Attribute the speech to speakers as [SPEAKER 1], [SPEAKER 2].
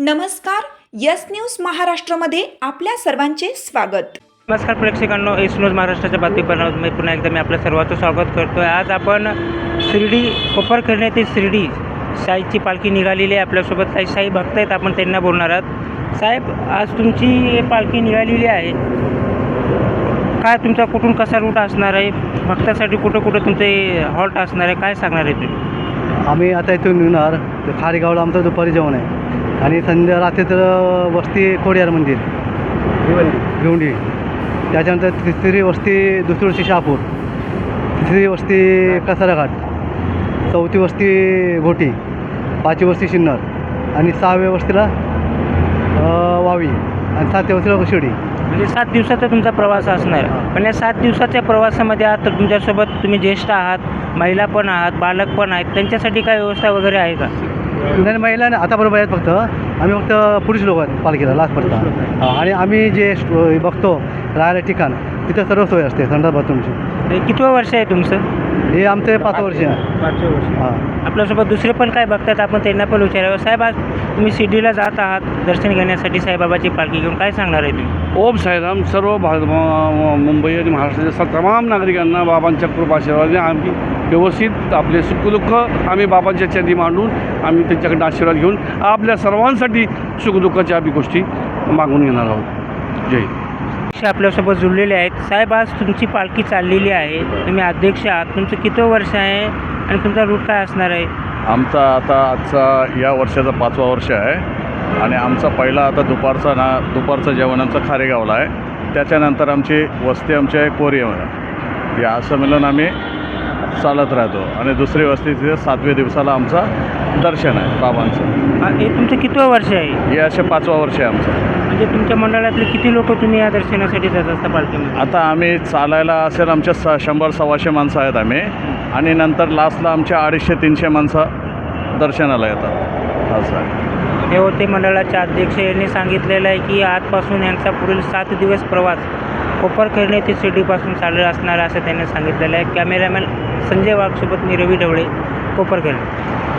[SPEAKER 1] नमस्कार. Yes news महाराष्ट्रामध्ये आपल्या सर्वांचे स्वागत.
[SPEAKER 2] नमस्कार प्रेक्षकांनो, एस न्यूज महाराष्ट्राच्या बातमीपत्रामध्ये पुन्हा एकदा मी आपल्या सर्वांचं स्वागत करतो आहे. आज आपण शिर्डी कोपरखैरणे ते शिर्डी साईची पालखी निघालेली आहे. आपल्यासोबत काही साई भक्त आहेत, आपण त्यांना बोलणार आहोत. साहेब, आज तुमची पालखी निघालेली आहे, काय तुमचा कुठून कसा रूट असणार आहे, भक्तासाठी कुठं कुठं तुमचे हॉल्ट असणार आहे, काय सांगणार आहे तुम्ही?
[SPEAKER 3] आम्ही आता इथून निघणार तर खारेगावला आमचं दुपारी जेवण आहे आणि रात्री तर वस्ती कोडियार मंदिर भिवंडी, त्याच्यानंतर तिसरी वस्ती दुसरी वस्ती शहापूर, तिसरी वस्ती कसाराघाट, चौथी वस्ती घोटी, पाचवी वस्ती सिन्नर आणि सहाव्या वस्तीला वावी आणि सातव्या वस्तीला शिर्डी.
[SPEAKER 2] म्हणजे 7 दिवसाचा तुमचा प्रवास असणार. पण या 7 दिवसाच्या प्रवासामध्ये आता तुमच्यासोबत तुम्ही ज्येष्ठ आहात, महिला पण आहात, बालक पण आहेत, त्यांच्यासाठी काय व्यवस्था वगैरे आहे का?
[SPEAKER 3] नाही, महिला नाही, आता बरोबर आहेत. फक्त आम्ही फक्त पुरुष लोक आहेत पालखीला लास्टपर्यंत. आणि आम्ही जे बघतो राहायला ठिकाण, तिथं सर्व सोय असते संडास बाथरूमची.
[SPEAKER 2] कितवं वर्ष आहे तुमचं?
[SPEAKER 3] हे आमचं 5 वर्ष आहे.
[SPEAKER 2] 5 वर्ष.
[SPEAKER 3] हां,
[SPEAKER 2] आपल्यासोबत दुसरे पण काय बघतात, आपण त्यांना पण विचारावं. साहेब, आज तुम्ही शिर्डीला जात आहात दर्शन घेण्यासाठी साईबाबाची पालखी घेऊन, काय सांगणार आहे तुम्ही?
[SPEAKER 4] ओम साईराम. सर्व मुंबई आणि महाराष्ट्राच्या तमाम नागरिकांना बाबांच्या कृपाशीर्वादाने आम्ही व्यवस्थित आपले सुखदुःख आम्ही बाबांच्या चरणी मांडून आम्ही त्यांच्याकडे आशीर्वाद घेऊन आपल्या सर्वांसाठी सुखदुःखाच्या आम्ही गोष्टी मागून घेणार आहोत. जय हिंद.
[SPEAKER 2] आपल्यासोबत जुळलेले आहेत. साहेब, आज तुमची पालखी चाललेली आहे, तुम्ही अध्यक्ष आहात, तुमचं कितवं वर्ष आहे आणि तुमचा रूट काय असणार आहे?
[SPEAKER 5] आजचा या वर्षाचा 5वा वर्ष आहे आणि आमचा पहिला आता दुपारचं जेवण आमचं खारेगावला आहे. त्याच्यानंतर आमची वस्ती आमच्या कोरियामध्ये, या असं मिळून आम्ही चालत राहतो आणि दुसरी वस्ती तिथे 7व्या दिवसाला आमचं दर्शन आहे बाबांचं.
[SPEAKER 2] हे तुमचं कितवं वर्ष आहे?
[SPEAKER 5] हे असे 5वा वर्ष आहे आमचं.
[SPEAKER 2] म्हणजे तुमच्या मंडळातले किती लोक तुम्ही या दर्शनासाठी जात असता पालखीमध्ये?
[SPEAKER 5] आता आम्ही चालायला असेल आमच्या 100-125 माणसं आहेत आम्ही, आणि नंतर लास्टला आमच्या 250-300 माणसं दर्शनाला येतात. असं आहे.
[SPEAKER 2] हे होते मंडळाचे अध्यक्ष. यांनी सांगितलेलं आहे की आजपासून यांचा पुढील 7 दिवस प्रवास कोपरखैरणे ते शिर्डीपासून चालू असणार असं त्यांनी सांगितलेलं आहे. कॅमेरामॅन संजय वाघसोबत मी रवी ढवळे, कोपरखैरणे.